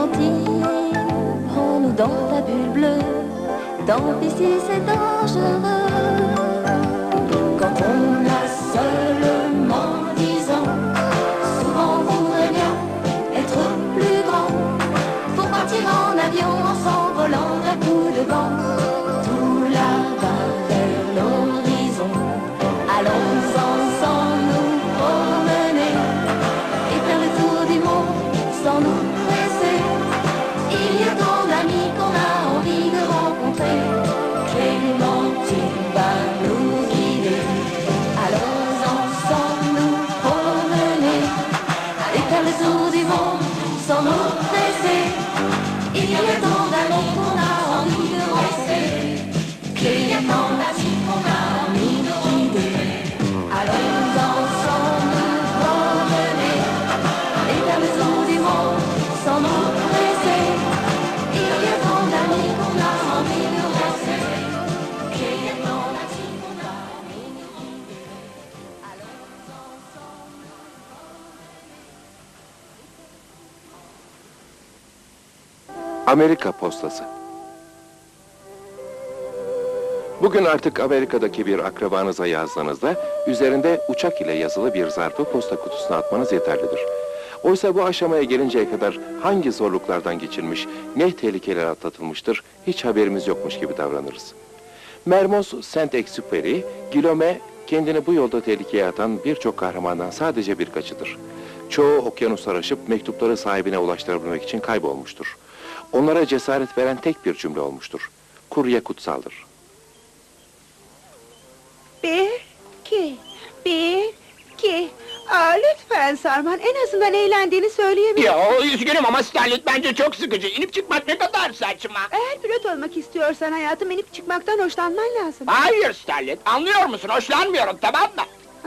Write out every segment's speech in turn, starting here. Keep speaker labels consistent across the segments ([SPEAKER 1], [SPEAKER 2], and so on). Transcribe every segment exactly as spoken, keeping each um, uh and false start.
[SPEAKER 1] Clémentine, prends-nous dans ta bulle bleue. Tant pis si c'est dangereux. Quand on a seulement dix ans, souvent on voudrait bien être plus grand. Pour partir en avion en s'envolant d'un coup de vent. Tout là-bas vers l'horizon. Allons ensemble nous promener et faire le tour du monde sans nous presser. Il y a tant d'amis qu'on a envie de rencontrer. Clémentine va nous guider. Allons ensemble nous promener et faire le tour du monde sans nous presser. Il y a tant d'amis qu'on a envie de rencontrer. Il y a tant d'amis qu'on a envie de guider. Allons ensemble nous promener et faire le tour du monde sans nous presser. Il y a tant d'amis qu'on a envie de rencontrer. Il y a tant d'amis qu'on a envie de guider. Allons ensemble.
[SPEAKER 2] Amerika postası. Bugün artık Amerika'daki bir akrabanıza yazdığınızda üzerinde uçak ile yazılı bir zarfı posta kutusuna atmanız yeterlidir. Oysa bu aşamaya gelinceye kadar hangi zorluklardan geçilmiş, ne tehlikeler atlatılmıştır hiç haberimiz yokmuş gibi davranırız. Mermoz Saint-Exupéry, Guillaume kendini bu yolda tehlikeye atan birçok kahramandan sadece birkaçıdır. Çoğu okyanuslar aşıp mektupları sahibine ulaştırabilmek için kaybolmuştur. Onlara cesaret veren tek bir cümle olmuştur. Kurye kutsaldır.
[SPEAKER 3] Bir, iki, bir, iki. Aa, lütfen Sarman, en azından eğlendiğini söyleyebilir.
[SPEAKER 4] Ya üzgünüm ama Starlet bence çok sıkıcı. İnip çıkmak ne kadar saçma.
[SPEAKER 3] Eğer pilot olmak istiyorsan hayatım, inip çıkmaktan hoşlanman lazım.
[SPEAKER 4] Hayır Starlet, anlıyor musun? Hoşlanmıyorum, tamam mı?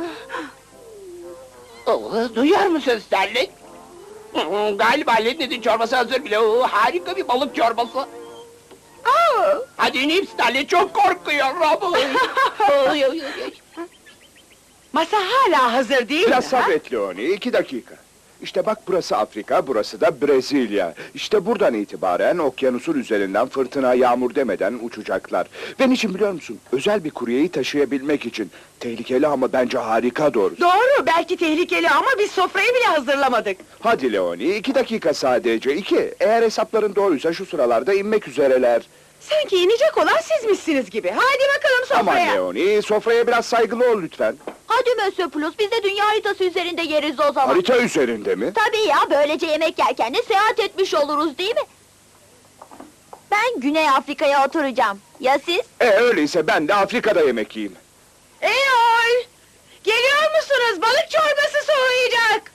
[SPEAKER 4] Oo, duyuyor musun Starlet? Hı, Galiba Lednet'in çorbası hazır bile. Oo, harika bir balık çorbası.
[SPEAKER 3] Aa!
[SPEAKER 4] Hadi inip Starlet, çok korkuyorum. Oy, oy, oy, oy.
[SPEAKER 3] Masa hala hazır değil
[SPEAKER 5] Biraz
[SPEAKER 3] mi?
[SPEAKER 5] sabret Leoni, iki dakika. İşte bak burası Afrika, burası da Brezilya. İşte buradan itibaren okyanusun üzerinden fırtına, yağmur demeden uçacaklar. Ve niçin biliyor musun? Özel bir kuryeyi taşıyabilmek için. Tehlikeli ama bence harika doğrusu.
[SPEAKER 3] Doğru, belki tehlikeli ama biz sofrayı bile hazırlamadık.
[SPEAKER 5] Hadi Leoni, iki dakika sadece, iki. Eğer hesapların doğruysa şu sıralarda inmek üzereler.
[SPEAKER 3] Sanki inecek olan sizmişsiniz gibi. Hadi bakalım
[SPEAKER 5] Aman
[SPEAKER 3] sofraya.
[SPEAKER 5] Leoni, sofraya biraz saygılı ol lütfen.
[SPEAKER 1] Hadi Monsieur Plus, biz de dünya haritası üzerinde yeriz o zaman.
[SPEAKER 5] Harita üzerinde mi?
[SPEAKER 1] Tabii ya, böylece yemek yerken de seyahat etmiş oluruz değil mi? Ben Güney Afrika'ya oturacağım. Ya siz?
[SPEAKER 5] E öyleyse ben de Afrika'da yemek yiyeyim.
[SPEAKER 3] Eyol! Geliyor musunuz? Balık çorbası soğuyacak.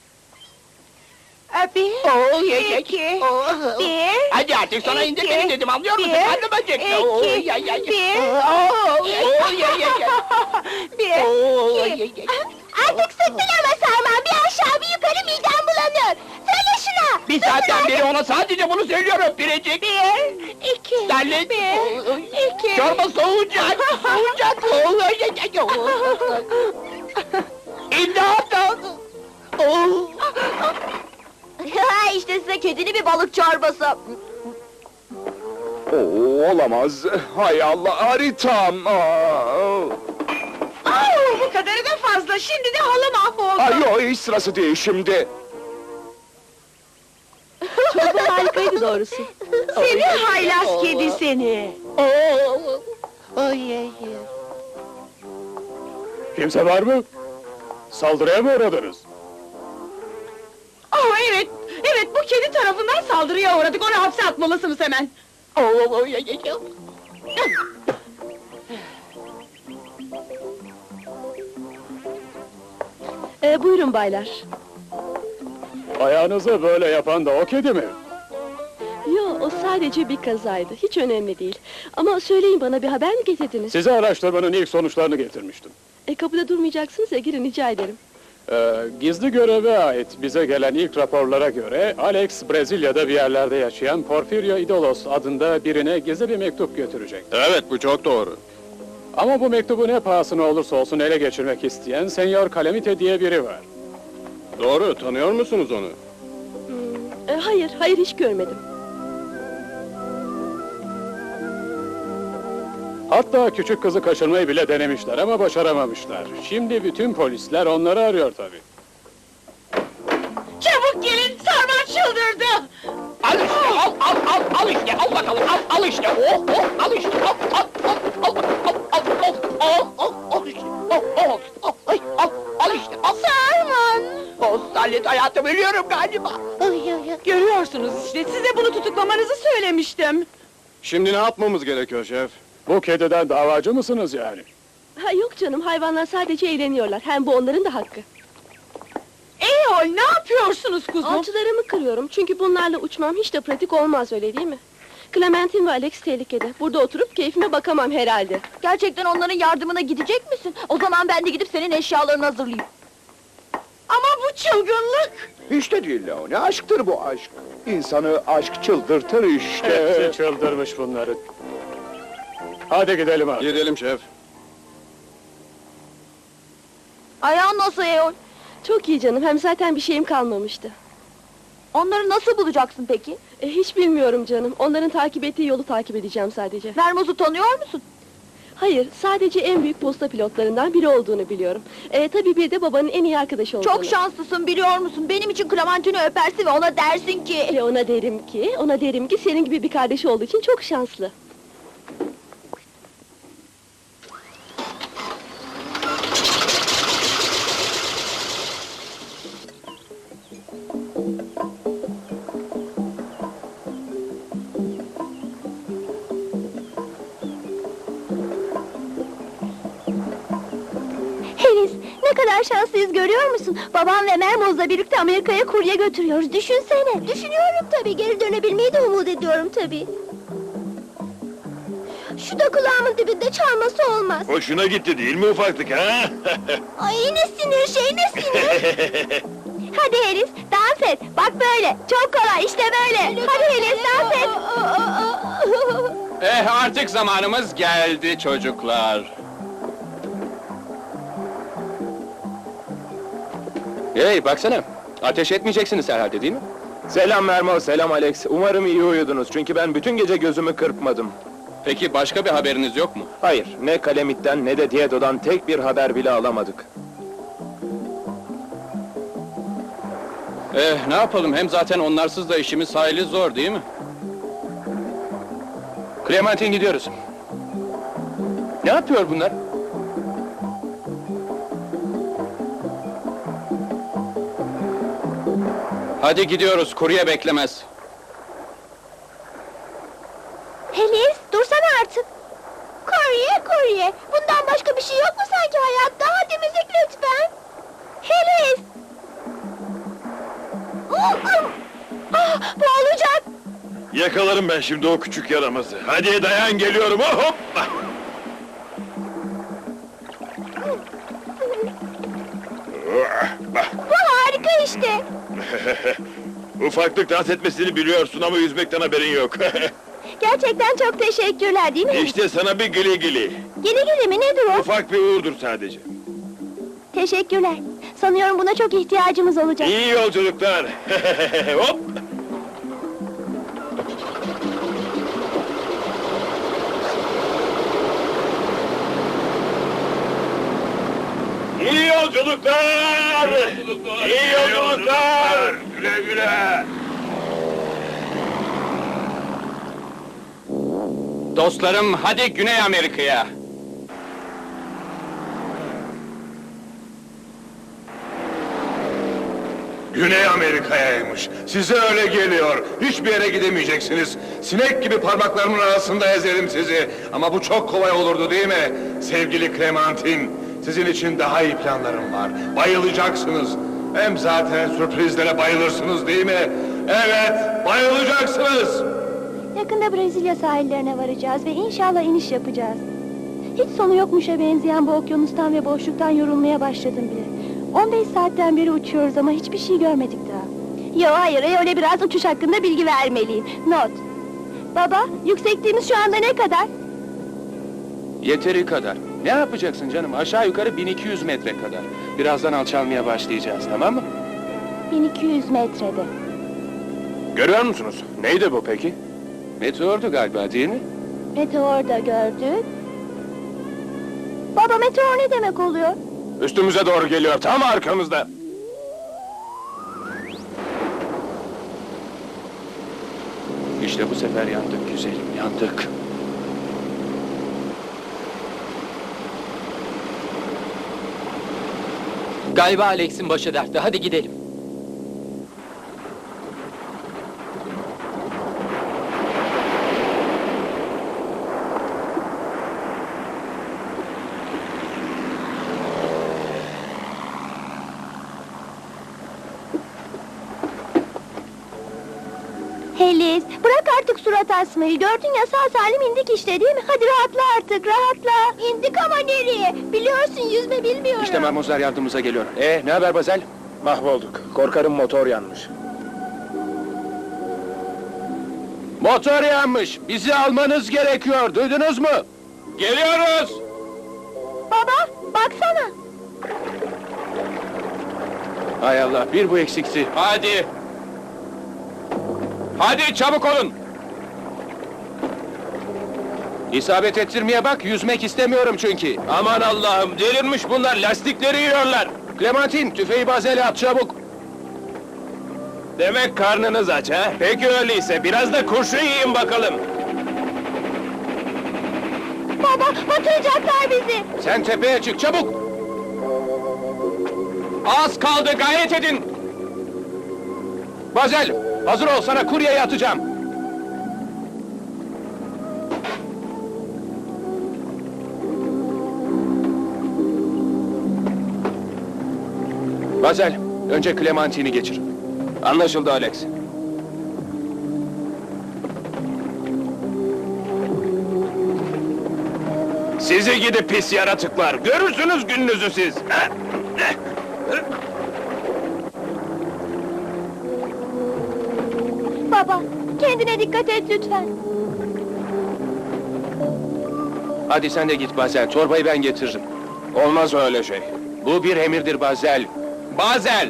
[SPEAKER 3] Ee, Bir,
[SPEAKER 4] Oo, ye, ye.
[SPEAKER 3] iki,
[SPEAKER 4] Oo.
[SPEAKER 3] bir,
[SPEAKER 4] Hadi artık sana indir
[SPEAKER 3] iki,
[SPEAKER 4] beni dedim, anlıyor musun?
[SPEAKER 3] bir,
[SPEAKER 4] Karnım acıktı. Oo,
[SPEAKER 3] iki,
[SPEAKER 4] ya, ya, ya.
[SPEAKER 3] bir,
[SPEAKER 4] Oo, oo, ye, ye, ye.
[SPEAKER 3] bir,
[SPEAKER 4] Oo,
[SPEAKER 3] iki.
[SPEAKER 4] ye, ye.
[SPEAKER 1] Artık sıktın ama Sarman, bir aşağı bir yukarı midem bulanıyor. Söyle şuna!
[SPEAKER 4] Bir saatten beri ona sadece bunu söylüyorum Biricik.
[SPEAKER 3] Bir, iki,
[SPEAKER 4] Starlet.
[SPEAKER 3] bir,
[SPEAKER 4] Oo,
[SPEAKER 3] iki.
[SPEAKER 4] çorba soğuyacak, soğuyacak. Oo, ye, ye, ye. Oo. İmdat! Oo.
[SPEAKER 1] Ha, işte size kedili bir balık çorbası.
[SPEAKER 5] Oo, olamaz. Hay Allah, haritam. Aa.
[SPEAKER 3] Au, bu kadarı da fazla. Şimdi de halı mahvoldu.
[SPEAKER 5] Ay yok, hiç sırası değil şimdi.
[SPEAKER 3] Çorba harikaydı doğrusu. Seni haylaz kedi seni.
[SPEAKER 4] Oo. Ay, ay, ay.
[SPEAKER 6] Kimse var mı? Saldırıya mı uğradınız?
[SPEAKER 3] Oh evet, evet bu kedi tarafından saldırıya uğradık. Onu hapse atmalısınız hemen.
[SPEAKER 4] Oo, oo, ay, ay, ay.
[SPEAKER 7] Ee, buyurun baylar.
[SPEAKER 6] Ayağınızı böyle yapan da o kedi mi?
[SPEAKER 7] Yo, o sadece bir kazaydı. Hiç önemli değil. Ama söyleyin, bana bir haber mi getirdiniz?
[SPEAKER 6] Size araştırmanın ilk sonuçlarını getirmiştim.
[SPEAKER 7] E, kapıda durmayacaksınız ya, girin rica ederim.
[SPEAKER 6] Ee, gizli göreve ait bize gelen ilk raporlara göre Alex, Brezilya'da bir yerlerde yaşayan Porfirio Idolos adında birine gizli bir mektup götürecek.
[SPEAKER 8] Evet, bu çok doğru.
[SPEAKER 6] Ama bu mektubu ne pahasına olursa olsun ele geçirmek isteyen Senyor Calamite diye biri var.
[SPEAKER 8] Doğru, tanıyor musunuz onu?
[SPEAKER 7] E, hayır, hayır hiç görmedim.
[SPEAKER 6] Hatta küçük kızı kaçırmayı bile denemişler ama başaramamışlar. Şimdi bütün polisler onları arıyor tabii.
[SPEAKER 3] Çabuk gelin, Sarman çıldırdı.
[SPEAKER 4] Al işte, al, al, al, al işte, al bakalım, al, al işte, oh, oh, al işte, al, al, al, al, al, al, al, al, al, al işte, al, al, al, ay, al, al işte, al.
[SPEAKER 3] Sarman!
[SPEAKER 4] Oh, Sallet hayatım, ölüyorum galiba.
[SPEAKER 3] Görüyorsunuz işte, size bunu tutuklamanızı söylemiştim.
[SPEAKER 6] Şimdi ne yapmamız gerekiyor şef? Bu kediden davacı mısınız yani?
[SPEAKER 7] Ha, yok canım, hayvanlar sadece eğleniyorlar. Hem bu onların da hakkı.
[SPEAKER 3] Eyol, ne yapıyorsunuz kuzum?
[SPEAKER 7] Alçılarımı kırıyorum çünkü bunlarla uçmam hiç de pratik olmaz, öyle değil mi? Clementine ve Alex tehlikede. Burada oturup keyfime bakamam herhalde.
[SPEAKER 1] Gerçekten onların yardımına gidecek misin? O zaman ben de gidip senin eşyalarını hazırlayayım.
[SPEAKER 3] Ama bu çılgınlık!
[SPEAKER 5] Hiç de değil Leo, ne aşktır bu aşk? İnsanı aşk çıldırtır işte.
[SPEAKER 6] Hepsi çıldırmış bunların. Hadi gidelim abi.
[SPEAKER 8] Gidelim şef.
[SPEAKER 1] Ayağın nasıl Eyol?
[SPEAKER 7] Çok iyi canım, hem zaten bir şeyim kalmamıştı.
[SPEAKER 1] Onları nasıl bulacaksın peki?
[SPEAKER 7] E, hiç bilmiyorum canım, onların takip ettiği yolu takip edeceğim sadece.
[SPEAKER 1] Mermoz'u tanıyor musun?
[SPEAKER 7] Hayır, sadece en büyük posta pilotlarından biri olduğunu biliyorum. E, tabii bir de babanın en iyi arkadaşı olduğunu.
[SPEAKER 1] Çok şanslısın biliyor musun? Benim için Clementine öpersin ve ona dersin ki...
[SPEAKER 7] Ve ona derim ki, ona derim ki senin gibi bir kardeşi olduğu için çok şanslı.
[SPEAKER 1] Henüz ne kadar şanslıyız görüyor musun? Babam ve Mermoz'la birlikte Amerika'ya kurye götürüyoruz. Düşünsene. Düşünüyorum tabii. Geri dönebilmeyi de umut ediyorum tabii. Şu da kulağımın dibinde çalması olmaz.
[SPEAKER 8] Hoşuna gitti değil mi ufaklık ha?
[SPEAKER 1] Ay ne sinir şey ne sinir. Hadi Helis dans et. Bak böyle. Çok kolay işte böyle. Hadi Helis dans et.
[SPEAKER 9] Eh artık zamanımız geldi çocuklar. Hey baksana, ateş etmeyeceksiniz herhalde değil mi?
[SPEAKER 2] Selam Mermo, selam Alex. Umarım iyi uyudunuz çünkü ben bütün gece gözümü kırpmadım.
[SPEAKER 9] Peki başka bir haberiniz yok mu?
[SPEAKER 2] Hayır, ne Kalamit'ten ne de Diedo'dan tek bir haber bile alamadık.
[SPEAKER 9] Eh ne yapalım, hem zaten onlarsız da işimiz hayli zor değil mi? Clementine gidiyoruz. Ne yapıyor bunlar? Hadi gidiyoruz, kurye beklemez.
[SPEAKER 1] Helis dursana artık. Kurye kurye. Bundan başka bir şey yok mu sanki hayatta? Hadi müzik lütfen. Helis. Ah, boğulacak.
[SPEAKER 8] Yakalarım ben şimdi o küçük yaramazı. Hadi dayan geliyorum. Oh, hoppa!
[SPEAKER 1] Bu harika işte.
[SPEAKER 8] Ufaklık dans etmesini biliyorsun ama yüzmekten haberin yok.
[SPEAKER 1] Gerçekten çok teşekkürler değil mi?
[SPEAKER 8] İşte sana bir gili gili.
[SPEAKER 1] Gili gili mi nedir o?
[SPEAKER 8] Ufak bir uğurdur sadece.
[SPEAKER 1] Teşekkürler. Sanıyorum buna çok ihtiyacımız olacak.
[SPEAKER 8] İyi yolculuklar. Hop! İyi yolculuklar! İyi yolculuklar! Güle güle!
[SPEAKER 9] Dostlarım hadi Güney Amerika'ya.
[SPEAKER 8] Güney Amerika'yaymış. Size öyle geliyor. Hiçbir yere gidemeyeceksiniz. Sinek gibi parmaklarımın arasında ezerim sizi. Ama bu çok kolay olurdu değil mi? Sevgili Clementine, sizin için daha iyi planlarım var. Bayılacaksınız. Hem zaten sürprizlere bayılırsınız değil mi? Evet, bayılacaksınız.
[SPEAKER 1] Yakında Brezilya sahillerine varacağız ve inşallah iniş yapacağız. Hiç sonu yokmuşa benzeyen bu okyanustan ve boşluktan yorulmaya başladım bile. on beş saatten beri uçuyoruz ama hiçbir şey görmedik daha. Yo hayır, öyle biraz uçuş hakkında bilgi vermeliyim. Not. Baba, yüksekliğimiz şu anda ne kadar?
[SPEAKER 9] Yeteri kadar. Ne yapacaksın canım? Aşağı yukarı bin iki yüz metre kadar. Birazdan alçalmaya başlayacağız, tamam mı?
[SPEAKER 1] bin iki yüz metrede.
[SPEAKER 6] Görüyor musunuz? Neydi bu peki?
[SPEAKER 9] Meteordu galiba değil mi?
[SPEAKER 1] Meteor da gördük. Baba meteor ne demek oluyor?
[SPEAKER 6] Üstümüze doğru geliyor, tam arkamızda.
[SPEAKER 9] İşte bu sefer yandık güzelim, yandık.
[SPEAKER 4] Galiba Alex'in başı dertte. Hadi gidelim.
[SPEAKER 1] Helis, bırak artık surat asmayı. Gördün ya sağ salim indik işte değil mi? Hadi rahatla artık, rahatla. İndik ama nereye? Biliyorsun yüzme bilmiyorum.
[SPEAKER 9] İşte Marmozer yardımımıza geliyor. Ee, ne haber Bazel?
[SPEAKER 6] Mahvolduk. Korkarım motor yanmış.
[SPEAKER 9] Motor yanmış. Bizi almanız gerekiyor. Duydunuz mu? Geliyoruz.
[SPEAKER 1] Baba, baksana.
[SPEAKER 9] Hay Allah, bir bu eksikti. Hadi. Hadi çabuk olun. İsabet ettirmeye bak, yüzmek istemiyorum çünkü. Aman Allah'ım, delirmiş bunlar, lastikleri yiyorlar. Clementine, tüfeği Bazel'e at çabuk.
[SPEAKER 6] Demek karnınız aç ha? Peki öyleyse biraz da kurşun yiyin bakalım.
[SPEAKER 1] Baba, batıracaklar bizi.
[SPEAKER 9] Sen tepeye çık, çabuk. Az kaldı, gayret edin. Bazel, hazır ol, sana kuryeyi atacağım. Bazel, önce Clementine'i geçir.
[SPEAKER 6] Anlaşıldı Alex. Sizi gidi pis yaratıklar, görürsünüz gününüzü siz.
[SPEAKER 1] Baba, kendine dikkat et lütfen.
[SPEAKER 9] Hadi sen de git Bazel, çorbayı ben getiririm.
[SPEAKER 6] Olmaz öyle şey.
[SPEAKER 9] Bu bir emirdir Bazel. Bazel!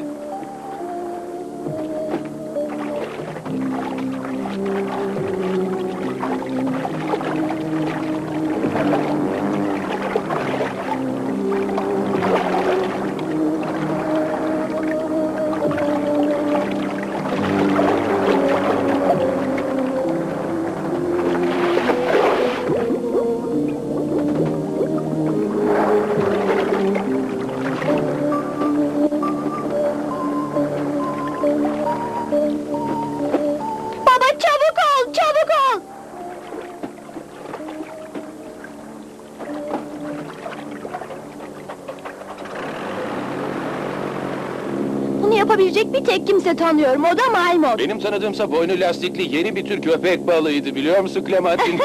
[SPEAKER 1] Baba çabuk ol, çabuk ol. Bunu yapabilecek bir tek kimse tanıyorum, o da Maymut.
[SPEAKER 9] Benim tanıdığımsa boynu lastikli yeni bir tür köpek balığıydı, biliyor musun Clementine?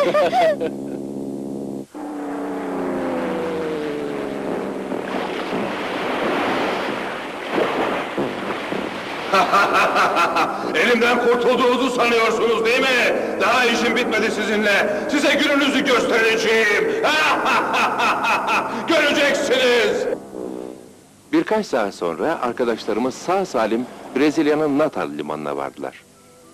[SPEAKER 8] Elimden kurtulduğunuzu sanıyorsunuz değil mi? Daha işim bitmedi sizinle. Size gününüzü göstereceğim. Göreceksiniz.
[SPEAKER 2] Birkaç saat sonra arkadaşlarımız sağ salim Brezilya'nın Natal limanına vardılar.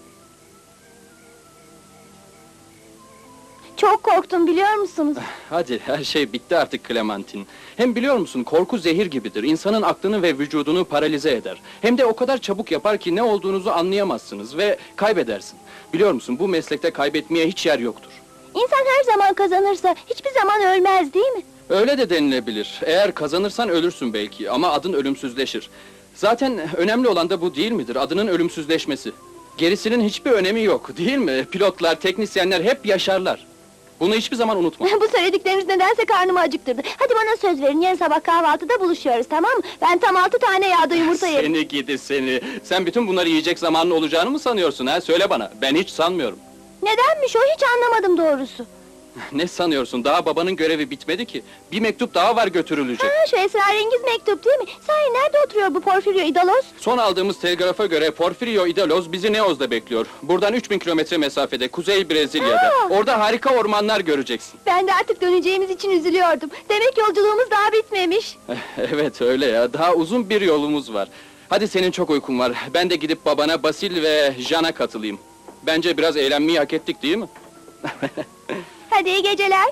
[SPEAKER 1] Çok korktum biliyor musunuz?
[SPEAKER 10] Hadi, her şey bitti artık Clementine. Hem biliyor musun, korku zehir gibidir. İnsanın aklını ve vücudunu paralize eder. Hem de o kadar çabuk yapar ki ne olduğunuzu anlayamazsınız ve kaybedersin. Biliyor musun, bu meslekte kaybetmeye hiç yer yoktur.
[SPEAKER 1] İnsan her zaman kazanırsa hiçbir zaman ölmez değil mi?
[SPEAKER 10] Öyle de denilebilir. Eğer kazanırsan ölürsün belki ama adın ölümsüzleşir. Zaten önemli olan da bu değil midir? Adının ölümsüzleşmesi. Gerisinin hiçbir önemi yok, değil mi? Pilotlar, teknisyenler hep yaşarlar. Bunu hiçbir zaman unutma.
[SPEAKER 1] Bu söyledikleriniz nedense karnımı acıktırdı. Hadi bana söz verin, yarın sabah kahvaltıda buluşuyoruz, tamam mı? Ben tam altı tane yağda yumurta yerim.
[SPEAKER 10] Seni gidi seni. Sen bütün bunları yiyecek zamanın olacağını mı sanıyorsun ha? Söyle bana. Ben hiç sanmıyorum.
[SPEAKER 1] Nedenmiş o, hiç anlamadım doğrusu.
[SPEAKER 10] Ne sanıyorsun? Daha babanın görevi bitmedi ki. Bir mektup daha var götürülecek.
[SPEAKER 1] Ha, şu esrarengiz mektup değil mi? Sahi nerede oturuyor bu Porfirio İdalos?
[SPEAKER 10] Son aldığımız telgrafa göre Porfirio İdalos bizi Neoz'da bekliyor. Buradan üç bin kilometre mesafede, Kuzey Brezilya'da.
[SPEAKER 1] Aa!
[SPEAKER 10] Orada harika ormanlar göreceksin.
[SPEAKER 1] Ben de artık döneceğimiz için üzülüyordum. Demek yolculuğumuz daha bitmemiş.
[SPEAKER 10] Evet öyle ya. Daha uzun bir yolumuz var. Hadi senin çok uykun var. Ben de gidip babana Basil ve Jean'a katılayım. Bence biraz eğlenmeyi hak ettik değil mi?
[SPEAKER 1] Hadi iyi geceler.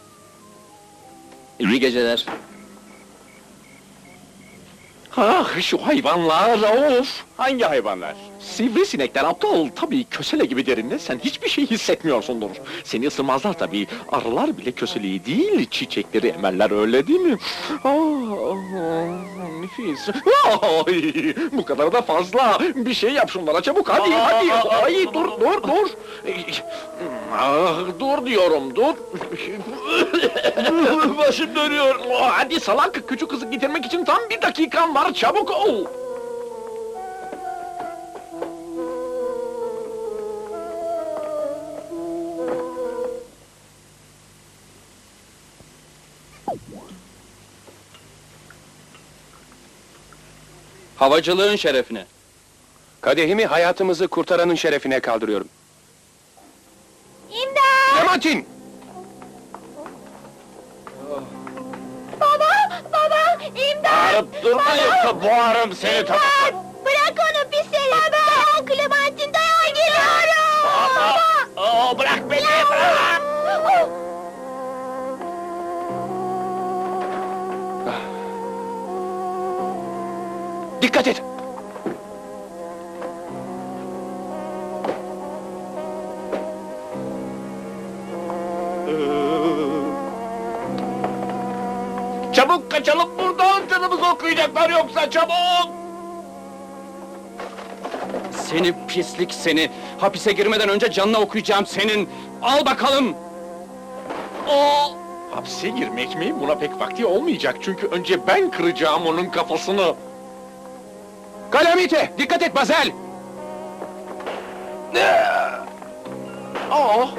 [SPEAKER 10] İyi geceler.
[SPEAKER 4] Ah şu hayvanlar of! Hangi hayvanlar? Sivrisinekler aptal tabii kösele gibi derinde sen hiçbir şey hissetmiyorsundur. Seni ısırmazlar tabii. Arılar bile köseleyi değil çiçekleri emerler öyle değil mi? Ah, nefis. Ay, bu kadar da fazla. Bir şey yap şunlara çabuk hadi hadi. Ay dur dur dur. Ah, dur diyorum dur. Başım dönüyor. Hadi salak küçük kızı getirmek için tam bir dakikan var çabuk ol.
[SPEAKER 10] Havacılığın şerefine.
[SPEAKER 2] Kadehimi hayatımızı kurtaranın şerefine kaldırıyorum.
[SPEAKER 1] İmdat!
[SPEAKER 2] Clementine!
[SPEAKER 1] Baba! Baba! İmdat!
[SPEAKER 4] Bağırıp durma yoksa boğarım seni tamam.
[SPEAKER 1] İmdat! Bırak onu pis herif! Dayan Clementine dayan geliyorum! Baba!
[SPEAKER 4] Oo, bırak beni bırak.
[SPEAKER 1] Oh!
[SPEAKER 2] Dikkat et!
[SPEAKER 4] Çabuk kaçalım buradan canımızı okuyacaklar yoksa çabuk.
[SPEAKER 10] Seni pislik seni! Hapise girmeden önce canına okuyacağım senin! Al bakalım!
[SPEAKER 4] Oo. Hapse girmek mi? Buna pek vakti olmayacak çünkü önce ben kıracağım onun kafasını.
[SPEAKER 2] Calamite! Dikkat et Bazel!
[SPEAKER 4] Aa.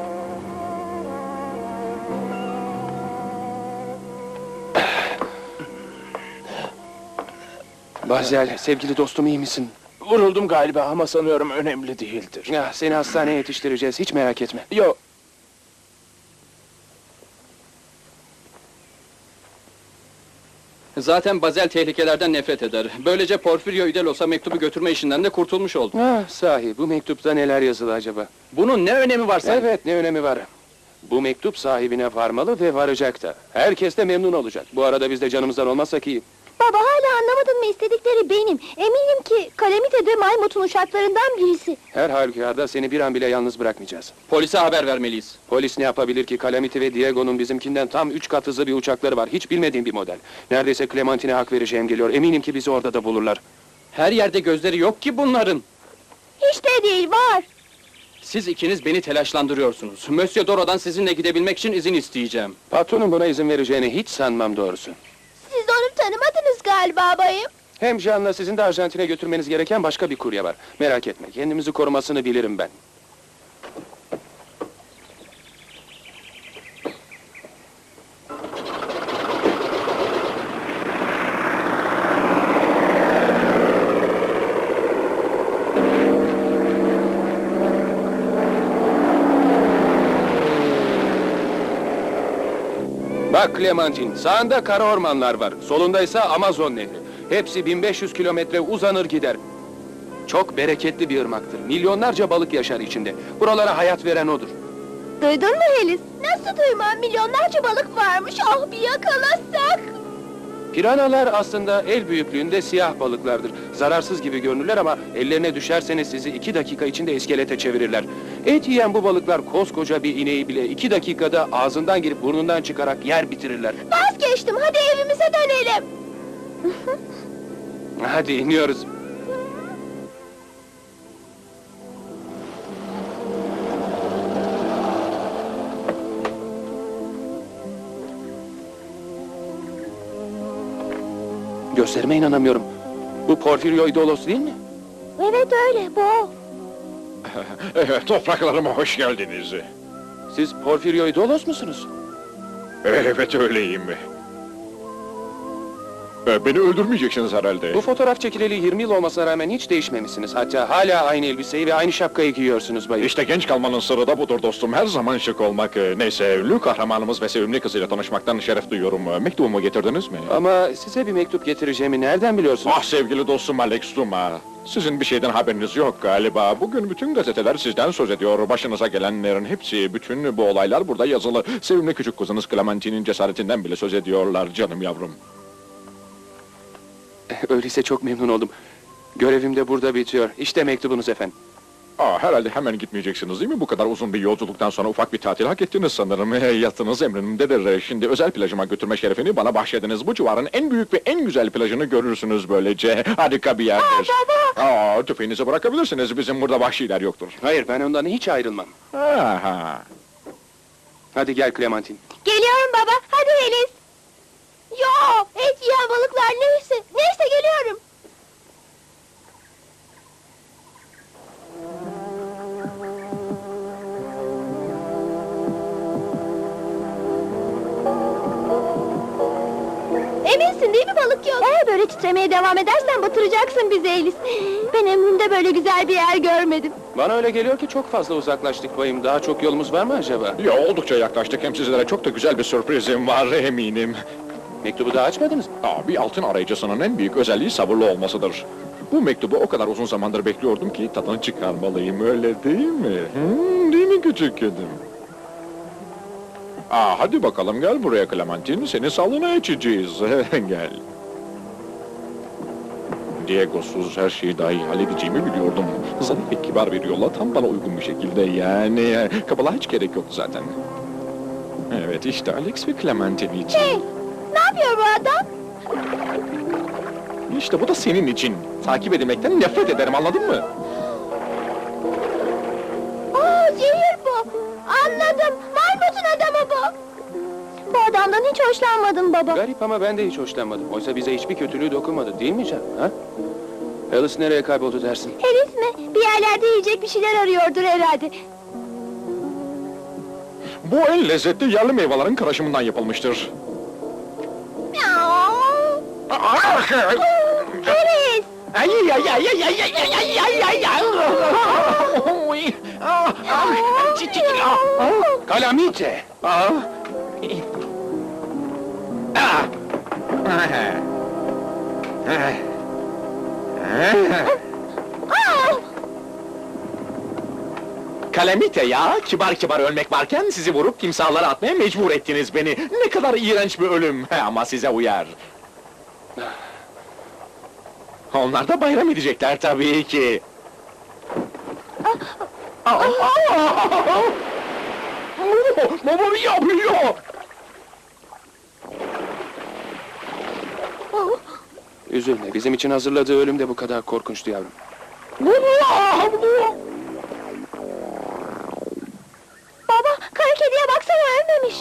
[SPEAKER 2] Bazel, sevgili dostum iyi misin?
[SPEAKER 9] Vuruldum galiba ama sanıyorum önemli değildir.
[SPEAKER 2] Ya, seni hastaneye yetiştireceğiz, hiç merak etme.
[SPEAKER 9] Yo,
[SPEAKER 10] Zaten Bazel tehlikelerden nefret eder. Böylece Porfirio Idelos'a mektubu götürme işinden de kurtulmuş oldu.
[SPEAKER 2] Ah, sahi, bu mektupta neler yazılı acaba?
[SPEAKER 10] Bunun ne önemi var sanki?
[SPEAKER 2] Evet, ne önemi var? Bu mektup sahibine varmalı ve varacak da. Herkes de memnun olacak. Bu arada biz de canımızdan olmazsak iyi.
[SPEAKER 1] Baba hala anlamadın mı istedikleri benim. Eminim ki Calamite de Maymut'un uşaklarından birisi.
[SPEAKER 2] Her halükarda seni bir an bile yalnız bırakmayacağız.
[SPEAKER 10] Polise haber vermeliyiz.
[SPEAKER 2] Polis ne yapabilir ki? Calamite ve Diego'nun bizimkinden tam üç kat hızlı bir uçakları var. Hiç bilmediğim bir model. Neredeyse Clementine'e hak vereceğim geliyor. Eminim ki bizi orada da bulurlar.
[SPEAKER 10] Her yerde gözleri yok ki bunların.
[SPEAKER 1] Hiç de değil var.
[SPEAKER 10] Siz ikiniz beni telaşlandırıyorsunuz. Monsieur Doro'dan sizinle gidebilmek için izin isteyeceğim.
[SPEAKER 2] Patronun buna izin vereceğini hiç sanmam doğrusu.
[SPEAKER 1] Siz onu tanımadınız galiba bayım.
[SPEAKER 2] Hem Jean'la sizin de Arjantin'e götürmeniz gereken başka bir kurye var. Merak etme, kendimizi korumasını bilirim ben. Bak Clementine, sağında kara ormanlar var, solundaysa Amazon Nehri. Hepsi bin beş yüz kilometre uzanır gider. Çok bereketli bir ırmaktır. Milyonlarca balık yaşar içinde. Buralara hayat veren odur.
[SPEAKER 1] Duydun mu Helis? Nasıl duymam? Milyonlarca balık varmış. Ah bir yakalasak.
[SPEAKER 2] Piranalar aslında el büyüklüğünde siyah balıklardır. Zararsız gibi görünürler ama ellerine düşerseniz sizi iki dakika içinde iskelete çevirirler. Et yiyen bu balıklar koskoca bir ineği bile iki dakikada ağzından girip burnundan çıkarak yer bitirirler.
[SPEAKER 1] Vazgeçtim. Hadi evimize dönelim.
[SPEAKER 2] Hadi iniyoruz. Gözlerime inanamıyorum. Bu Porfirio Idolos değil mi?
[SPEAKER 1] Evet öyle bu o.
[SPEAKER 8] Evet, topraklarıma hoş geldiniz.
[SPEAKER 2] Siz Porfirio Idolos musunuz?
[SPEAKER 8] Evet, öyleyim.
[SPEAKER 4] Ee, beni öldürmeyeceksiniz herhalde.
[SPEAKER 9] Bu fotoğraf çekileli yirmi yıl olmasına rağmen hiç değişmemişsiniz. Hatta hala aynı elbiseyi ve aynı şapkayı giyiyorsunuz bayım.
[SPEAKER 4] İşte genç kalmanın sırrı da budur dostum. Her zaman şık olmak. Ee, Neyse, ünlü kahramanımız ve sevimli kızıyla tanışmaktan şeref duyuyorum. Ee, Mektubumu getirdiniz mi?
[SPEAKER 9] Ama size bir mektup getireceğimi nereden biliyorsunuz?
[SPEAKER 4] Ah sevgili dostum Alex Duma. Sizin bir şeyden haberiniz yok galiba. Bugün bütün gazeteler sizden söz ediyor. Başınıza gelenlerin hepsi, bütün bu olaylar burada yazılı. Sevimli küçük kızınız Clementine'in cesaretinden bile söz ediyorlar canım yavrum.
[SPEAKER 9] Öyleyse çok memnun oldum. Görevim de burada bitiyor. İşte mektubunuz efendim.
[SPEAKER 4] Aa, herhalde hemen gitmeyeceksiniz değil mi? Bu kadar uzun bir yolculuktan sonra ufak bir tatil hak ettiniz sanırım. Yatınız emrindedir. Şimdi özel plajıma götürme şerefini bana bahşediniz. Bu civarın en büyük ve en güzel plajını görürsünüz böylece. Harika bir yerdir. Aa, baba! Aa, tüfeğinizi bırakabilirsiniz. Bizim burada vahşiler yoktur.
[SPEAKER 9] Hayır, ben ondan hiç ayrılmam.
[SPEAKER 4] Aha.
[SPEAKER 9] Hadi gel Clementine.
[SPEAKER 7] Geliyorum baba, hadi Elis. Yo, et yiyen balıklar neyse, neyse geliyorum. Eminsin değil mi balık yok? Eğer böyle titremeye devam edersen batıracaksın bizi Elis. Ben ömrümde böyle güzel bir yer görmedim.
[SPEAKER 9] Bana öyle geliyor ki çok fazla uzaklaştık bayım. Daha çok yolumuz var mı acaba?
[SPEAKER 4] Ya oldukça yaklaştık. Hem sizlere çok da güzel bir sürprizim var eminim.
[SPEAKER 9] Mektubu daha açmadınız mı?
[SPEAKER 4] Aa, bir altın arayıcısının en büyük özelliği sabırlı olmasıdır. Bu mektubu o kadar uzun zamandır bekliyordum ki tadını çıkarmalıyım, öyle değil mi? Hmm, değil mi küçük kedim? Aa, hadi bakalım gel buraya Clementine, seni sağlığına içeceğiz. Gel. Diego'suz her şeyi daha iyi halledeceğimi biliyordum. Zarif ve kibar bir yolla tam bana uygun bir şekilde yani. Kabala hiç gerek yoktu zaten. Evet işte Alex ve Clementine için.
[SPEAKER 7] Hey, ne yapıyor bu adam?
[SPEAKER 4] İşte bu da senin için. Takip edilmekten nefret ederim, anladın mı?
[SPEAKER 7] Oo, zehir bu. Anladım, Marmut'un adamı bu. Bu adamdan hiç hoşlanmadım baba.
[SPEAKER 9] Garip ama ben de hiç hoşlanmadım. Oysa bize hiçbir kötülüğü dokunmadı değil mi canım? Ha? Alice nereye kayboldu dersin?
[SPEAKER 7] Elis mi? Bir yerlerde yiyecek bir şeyler arıyordur herhalde.
[SPEAKER 4] Bu en lezzetli yerli meyvelerin karışımından yapılmıştır.
[SPEAKER 7] Elis!
[SPEAKER 4] Ay ay ay ay ay ay ay ay ay ay ay.
[SPEAKER 9] Calamite!
[SPEAKER 4] Ah. Ah. Kalemite ya, kibar kibar ölmek varken sizi vurup timsahlara atmaya mecbur ettiniz beni. Ne kadar iğrenç bir ölüm, ama size uyar. Onlar da bayram edecekler tabii ki. Baba ne yapıyor?
[SPEAKER 9] Üzülme, bizim için hazırladığı ölüm de bu kadar korkunçtu yavrum.
[SPEAKER 7] Baba, kara kediye baksana ölmemiş.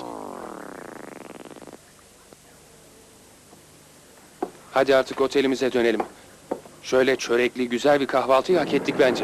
[SPEAKER 9] Hadi artık otelimize dönelim. Şöyle çörekli güzel bir kahvaltıyı hak ettik bence.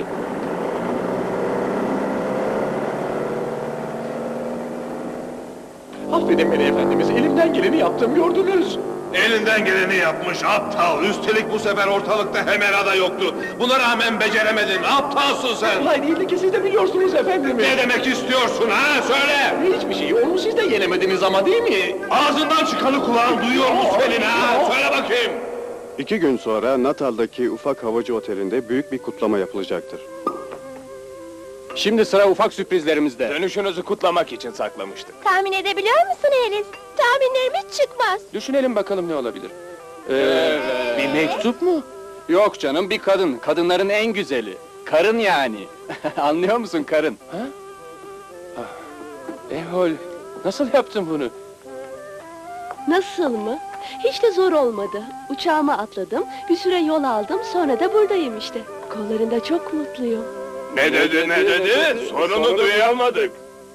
[SPEAKER 4] Affedin beni efendimiz, elimden geleni yaptım, gördünüz.
[SPEAKER 8] Elinden geleni yapmış aptal. Üstelik bu sefer ortalıkta Hemera da yoktu. Buna rağmen beceremedin. Aptalsın sen.
[SPEAKER 4] Olay değildi ki siz de biliyorsunuz efendim.
[SPEAKER 8] Ne demek istiyorsun ha? Söyle.
[SPEAKER 4] Hiçbir şeyi, onu siz de yenemediniz ama değil mi?
[SPEAKER 8] Ağzından çıkanı kulağın duyuyor mu senin ha? Söyle bakayım.
[SPEAKER 11] İki gün sonra Natal'daki ufak havacı otelinde büyük bir kutlama yapılacaktır.
[SPEAKER 6] Şimdi sıra ufak sürprizlerimizde.
[SPEAKER 9] Dönüşünüzü kutlamak için saklamıştık.
[SPEAKER 7] Tahmin edebiliyor musun Elis? Tahminlerim hiç çıkmaz.
[SPEAKER 9] Düşünelim bakalım ne olabilir. Ee, bir mektup mu?
[SPEAKER 10] Yok canım, bir kadın. Kadınların en güzeli. Karın yani. Anlıyor musun, karın?
[SPEAKER 9] Ehol, nasıl yaptın bunu?
[SPEAKER 7] Nasıl mı? Hiç de zor olmadı. Uçağıma atladım, bir süre yol aldım, sonra da buradayım işte. Kollarında çok mutluyum.
[SPEAKER 8] Ne dedi ne dedi? Sorunu duyamadık.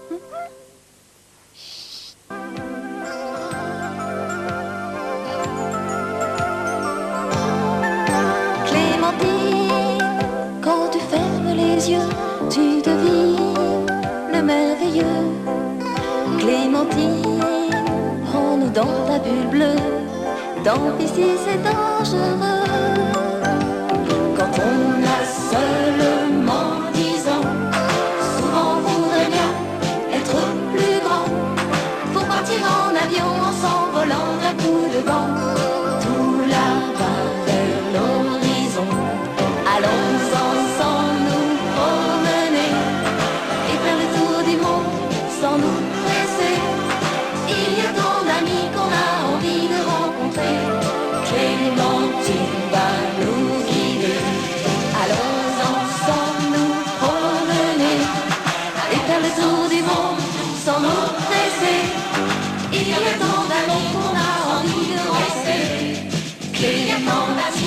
[SPEAKER 1] Clémentine, quand tu fermes les yeux, tu devines le merveilleux. Clémentine, prends-nous dans ta bulle bleue, tant pis si c'est dangereux. Quand on a seulement dix ans, souvent on voudrait bien être plus grand. Faut partir en avion en s'envolant d'un coup de vent. Tout là-bas vers l'horizon, allons ensemble nous promener et faire le tour du monde sans nous presser. Il y a tant d'amis qu'on a envie de rencontrer. Clémentine va nous guider. Allons ensemble nous promener et faire le tour du monde sans nous presser. Il y a tant d'amis qu'on a envie de rester. Clémentine